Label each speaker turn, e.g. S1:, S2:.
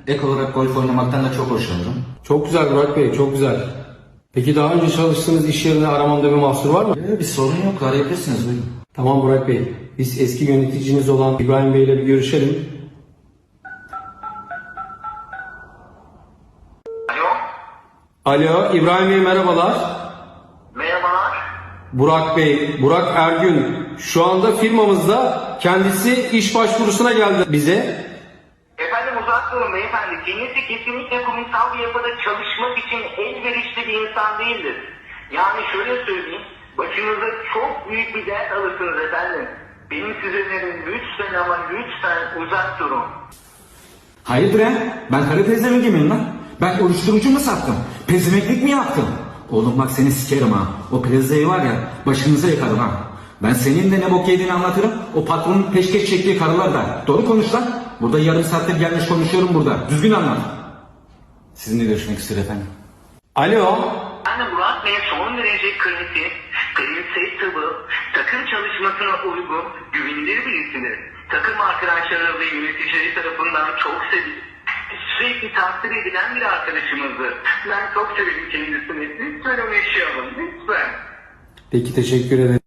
S1: Ek olarak golf oynamaktan da çok hoşlanırım.
S2: Çok güzel Burak Bey, çok güzel. Peki daha önce çalıştığınız iş yerine aramamda bir mahsur var mı?
S1: Bir sorun yok, arayabilirsiniz, buyurun.
S2: Tamam Burak Bey, biz eski yöneticiniz olan İbrahim Bey ile bir görüşelim.
S3: Alo,
S2: Alo, İbrahim Bey merhabalar.
S3: merhabalar.
S2: Burak Bey, Burak Ergün. Şu anda firmamızda kendisi iş başvurusuna geldi bize.
S3: Efendim uzak durun beyefendi. Kendisi kesinlikle kurumsal bir yapıda çalışmak için elverişli bir insan değildir. Yani şöyle söyleyeyim, başınıza çok büyük bir dert alırsınız efendim. Benim size önerim lütfen ama lütfen uzak durun.
S1: Hayırdır he? Ben karı pezevenk miyim lan? Ben uyuşturucu mu sattım? Pezemeklik mi yaptım? Oğlum bak seni sikerim ha. O plazayı var ya başınıza yıkarım ha. Ben senin de ne bok yediğini anlatırım. O patronun peşkeş çektiği karılar da. Doğru konuş lan. Burada yarım saattir gelmiş konuşuyorum burada. Düzgün anlat. Sizinle görüşmek istiyor efendim.
S2: Alo.
S3: Ben de Murat Bey son derece kritik, prensipli, takım çalışmasına uygun, güvenilir birisidir. Takım arkadaşları ve yöneticileri tarafından çok sevilir. Sürekli takdir edilen bir arkadaşımızdır. Ben çok severim kendisini. Lütfen onu yaşayalım, lütfen.
S2: Peki teşekkür ederim.